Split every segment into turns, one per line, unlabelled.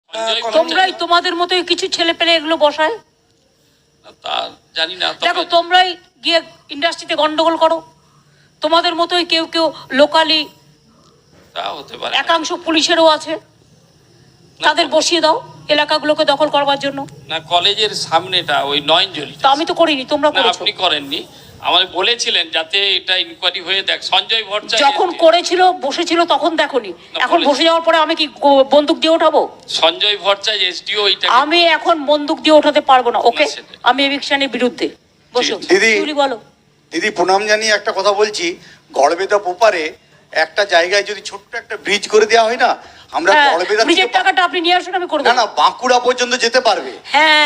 তোমরাই তোমাদের মতোই কিছু ছেলে পেলে এগুলো বসায়,
তা জানি না।
দেখো তোমরাই গিয়ে ইন্ডাস্ট্রিতে গন্ডগোল করো, তোমাদের মতোই কেউ কেউ লোকালি,
তা হতে পারে,
একাংশ পুলিশেরও আছে, তাদের বসিয়ে দাও এলাকাগুলোকে দখল করবার জন্য।
না, কলেজের সামনেটা ওই নয়নজলি,
তা আমি তো করিনি, তোমরা করেছো।
আপনি করেননি, আমাদের বলেছিলেন যাতে এটা ইনকোয়ারি হয়ে দেখ। সঞ্জয় ভট্টাচার্য
যখন করেছিল বসেছিল তখন দেখোনি, এখন বসে যাওয়ার পরে আমি কি বন্দুক দিয়ে ওঠাবো?
সঞ্জয় ভট্টাচার্য এসডিও এটা
আমি এখন বন্দুক দিয়ে ওঠাতে পারবো না। ওকে, আমি এভিকশনের বিরুদ্ধে। বসো দিদি, বলো।
দিদি প্রণাম জানিয়ে একটা কথা বলছি, গড়বেতা পোপারে একটা জায়গায় যদি ছোট্ট একটা ব্রিজ করে দেওয়া হয় না, আমরা গড়বেতা
ব্রিজের টাকাটা আপনি নিয়ে আসুন, আমি করে
দেব। না বাঁকুড়া পর্যন্ত যেতে পারবে।
হ্যাঁ,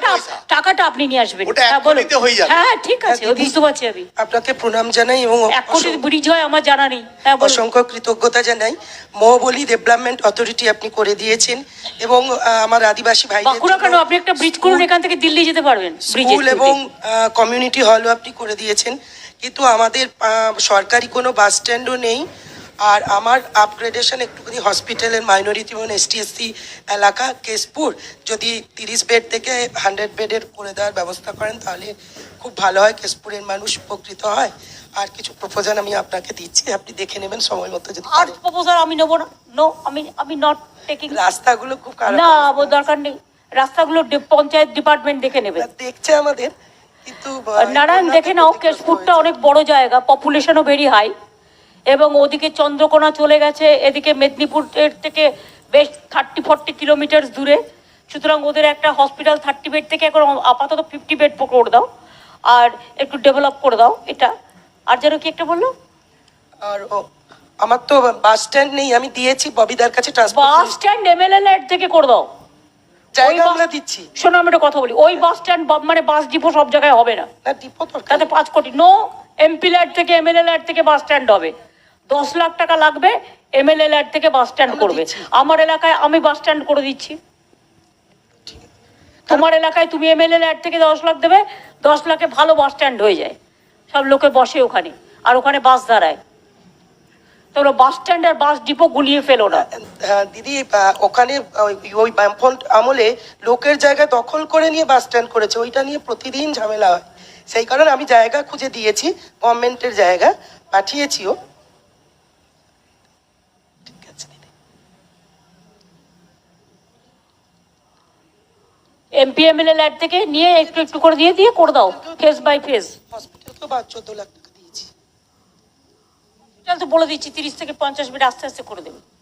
টাকাটা আপনি নিয়ে আসবেন।
ওটা এক কোটিতে হয়ে যাবে।
হ্যাঁ ঠিক আছে, বুঝতে পারছি আমি।
আপনাকে প্রণাম জানাই এবং
1 কোটি ব্রিজ হয় আমার জানা নেই। হ্যাঁ,
অসংখ্য কৃতজ্ঞতা জানাই। মহাবলী ডেভেলপমেন্ট অথরিটি আপনি করে দিয়েছেন এবং আমার আদিবাসী ভাই
বাঁকুড়া কেন, আপনি একটা ব্রিজ করুন, এখান থেকে দিল্লি যেতে পারবেন।
স্কুল এবং কমিউনিটি হলও আপনি করে দিয়েছেন, কিন্তু আমাদের সরকারি কোনো বাস স্ট্যান্ডও নেই। আর আমার আপগ্রেডেশন একটুখানি হসপিটালের মাইনরিটি এবং ST/SC এলাকা কেশপুর যদি 30 বেড থেকে 100 বেডের করে দেওয়ার ব্যবস্থা করেন তাহলে খুব ভালো হয়, কেশপুরের মানুষ উপকৃত হয়। আর কিছু প্রপোজাল আমি আপনাকে দিচ্ছি, আপনি দেখে নেবেন সময় মতো। যদি
আর প্রপোজাল আমি নেবো না, নো, আমি নট টেকিং।
রাস্তাগুলো খুব খারাপ,
না দরকার নেই, রাস্তাগুলো পঞ্চায়েত ডিপার্টমেন্ট দেখে নেবে,
দেখছে আমাদের। কিন্তু
নারায়ণ দেখে নাও, কেশপুরটা অনেক বড় জায়গা, পপুলেশনও ভেরি হাই, এবং ওদিকে চন্দ্রকোনা চলে গেছে, এদিকে মেদিনীপুরের থেকে বেশ 30-40 কিলোমিটার দূরে। সুতরাং ওদের একটা হসপিটাল 30 বেড থেকে এখন আপাতত 50 বেড করে দাও, আর একটু ডেভেলপ করে দাও এটা। আর যেন কি একটা বললো,
আর আমার তো বাস স্ট্যান্ড নেই, আমি দিয়েছি ববিদার কাছে transport.
Bus stand MLA LAD থেকে করে দাও,
জায়গা আমরা দিচ্ছি।
শোনো আমি একটা কথা বলি, ওই বাস স্ট্যান্ড মানে বাস ডিপো সব জায়গায় হবে না,
ডিপো তো
তাতে 5 কোটি। নো, MP ল্যাড থেকে MLA ল্যাড থেকে বাস স্ট্যান্ড হবে, 10 লাখ টাকা লাগবে, MLA ল্যাড থেকে বাস স্ট্যান্ড করবে। আমার এলাকায় আমি বাস স্ট্যান্ড করে দিচ্ছি, তোমার এলাকায় তুমি MLA ল্যাড থেকে 10 লাখ দেবে, 10 লাখে ভালো বাস স্ট্যান্ড হয়ে যায়, সব লোকে বসে ওখানে, আর ওখানে বাস দাঁড়ায়। তোমরা বাস স্ট্যান্ড আর বাস ডিপো গুলিয়ে ফেলো না।
দিদি, ওখানে ওই বামফ্রন্ট আমলে লোকের জায়গা দখল করে নিয়ে বাস স্ট্যান্ড করেছে, ওইটা নিয়ে প্রতিদিন ঝামেলা হয়। সেই কারণে আমি জায়গা খুঁজে দিয়েছি, গভর্নমেন্টের জায়গা পাঠিয়েছিও। ঠিক আছে দিদি,
MP MLA ল্যাড থেকে নিয়ে একটু একটু করে দিয়ে করে দাও, ফেস বাই ফেস।
হসপিটাল তো 14 লাখ টাকা দিয়েছি।
তো বলে দিচ্ছি 30 থেকে 50 বেড আস্তে আস্তে করে দেবে।